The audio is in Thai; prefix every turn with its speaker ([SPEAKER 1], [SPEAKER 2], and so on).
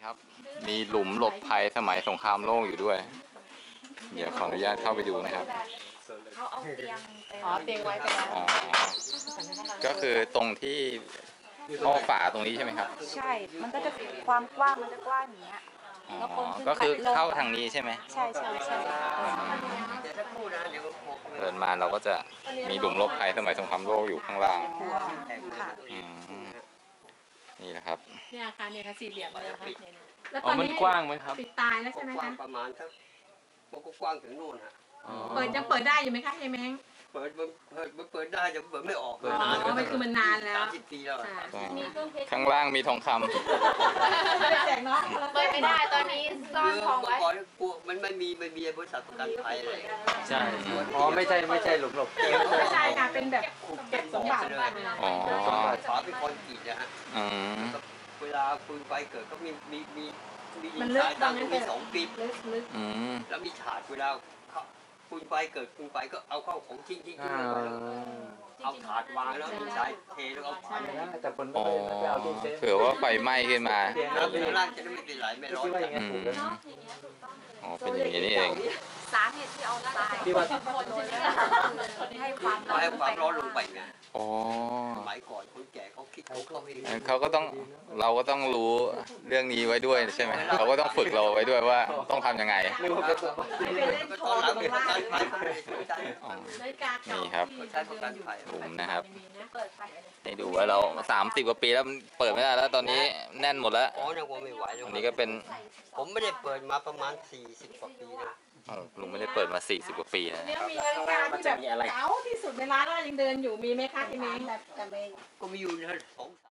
[SPEAKER 1] ครับมีหลุมหลบภัยสมัยสงครามโลกอยู่ด้วยเดี๋ยวขออนุญาตเข้าไปดูนะครับ
[SPEAKER 2] เขาเอาเตียงไป
[SPEAKER 3] เตียงไว้ไปแล้ว
[SPEAKER 1] อ๋อก็คือตรงที่ท่อฝาตรงนี้ใช่ไหมครับ
[SPEAKER 2] ใช่ มันก็จะความกว้างมันจะกว้างอย่างเงี้ย
[SPEAKER 1] อ๋อ
[SPEAKER 2] แล้วคนขึ้น
[SPEAKER 1] ก็คือ
[SPEAKER 2] ไปลง
[SPEAKER 1] เข้าทางนี้ใช่ไหม
[SPEAKER 2] ใช่ใช่ใช่
[SPEAKER 1] เดินมาเราก็จะมีหลุมหลบภัยสมัยสงครามโลกอยู่ข้างล่าง
[SPEAKER 2] ค่ะ
[SPEAKER 1] อืมนี่นะครับ
[SPEAKER 3] เนี่ยค่ะเนี่ยค่ะสี่เหลี่ยมเลยค่ะเนี่ยแล้ว
[SPEAKER 1] อ๋อมันกว้างไหมครับ
[SPEAKER 3] ปิดตายแล้วใช่ไหม
[SPEAKER 4] กว้า
[SPEAKER 3] คะ
[SPEAKER 4] งประมาณสักมันก็กว้างถึงนู่นฮะ
[SPEAKER 3] ยังเปิดได้อยู่ไหมคะเฮเม้ง
[SPEAKER 4] เปิดได้แต่เปิดไม่ออก
[SPEAKER 1] เปิด
[SPEAKER 3] อ๋อมันคือมันนานแล้ว
[SPEAKER 4] 30 ปีแล้วอะ
[SPEAKER 2] มีเครื่องเพชร
[SPEAKER 1] ข้างล่างมีทองคำ
[SPEAKER 3] แจกเนาะ
[SPEAKER 2] เปิดไม่ได้ตอนนี้ซ่อนทองไว้
[SPEAKER 4] เมื่อก่อนพวกมันไม่มีบริษัทประกันภัยเลย
[SPEAKER 5] ใช่อ๋อไม่ใช่หลุมหลบ
[SPEAKER 3] ไม่ใช่ค่ะเป็นแบบเก็บสมบัติ
[SPEAKER 1] อ๋อ
[SPEAKER 4] ฝาเป็นคอนกรีตนะฮะ
[SPEAKER 1] อืม
[SPEAKER 4] เวลาคุณไปเกิดก็มี
[SPEAKER 3] มันลึก
[SPEAKER 4] สาย
[SPEAKER 3] ตอ
[SPEAKER 4] ตั้
[SPEAKER 3] น
[SPEAKER 4] ง
[SPEAKER 3] นั้น
[SPEAKER 4] มี
[SPEAKER 3] เป็น
[SPEAKER 4] 2 ปี
[SPEAKER 3] ลึก
[SPEAKER 1] อืม
[SPEAKER 4] แล้วมีฉาดเวลาคุณไปเกิดคุณไปก็เอาเข้าของทิ้งลงไปแล้วเอาถาดวางแล้วมีสายเทแล้วเอาถาด
[SPEAKER 5] แต่คน
[SPEAKER 1] อ๋อ
[SPEAKER 5] ไม่เอาตู้เซฟ
[SPEAKER 1] เผื่อว่าไฟไหม้ขึ้นมา
[SPEAKER 4] แล้วข้างล่างจะได้ไม่เป็นไหลไม่ร้อน
[SPEAKER 5] คิดว่าอย่าง
[SPEAKER 1] อื
[SPEAKER 5] นั้นถู
[SPEAKER 1] ม
[SPEAKER 5] กแล้ว
[SPEAKER 1] อ๋อเป็นอย่างนี้นี่เอง
[SPEAKER 2] สาเหตุที่เอาทราย
[SPEAKER 5] ที่ว่า
[SPEAKER 2] ให้ความ
[SPEAKER 4] ให้ความร้อนลงไปไง
[SPEAKER 1] อ๋อ
[SPEAKER 4] สมัยก่อนคนแก่เขาคิดเขาเอง
[SPEAKER 1] งั้นเขาก็ต้องเราก็ต้องรู้เรื่องนี้ไว้ด้วยใช่ไหมเขาก็ต้องฝึกเราไว้ด้วยว่าต้องทำยังไง
[SPEAKER 5] นึกว่าเป็นสมบัติ
[SPEAKER 3] ๆไปเล่นโช
[SPEAKER 4] ตอน
[SPEAKER 3] ว์
[SPEAKER 4] หลัง
[SPEAKER 3] ตร
[SPEAKER 4] เป็น
[SPEAKER 3] ง
[SPEAKER 4] ประ
[SPEAKER 3] ล่าง
[SPEAKER 4] กันภัยเขาเลยสนใจ
[SPEAKER 1] อ๋อ
[SPEAKER 3] นาฬิกาเก่า
[SPEAKER 1] นี่ครับ
[SPEAKER 3] ที่
[SPEAKER 1] หลุมนะครับ
[SPEAKER 2] เปิดไฟ
[SPEAKER 1] ให้ดูว่าเรา30 กว่าปีแล้วมันเปิดไม่ได้แล้วตอนนี้แน่นหมดแล้ว
[SPEAKER 4] อ๋อเนี่ยผมไม่ไหวแล้ว
[SPEAKER 1] อันนี้ก็เป็น
[SPEAKER 4] ผมไม่ได้เปิดมาประมาณ40 กว่าปีนะ
[SPEAKER 1] อ๋อลุงไม่ได้เปิดมา40 กว่าปีนะ
[SPEAKER 3] เนี่ยมีนาฬิกาที่แบบเก๋าที่สุดในร้านแล้วยังเดินอยู่มีไหมคะเฮเม้ง
[SPEAKER 4] ก็มีอยู่นะ2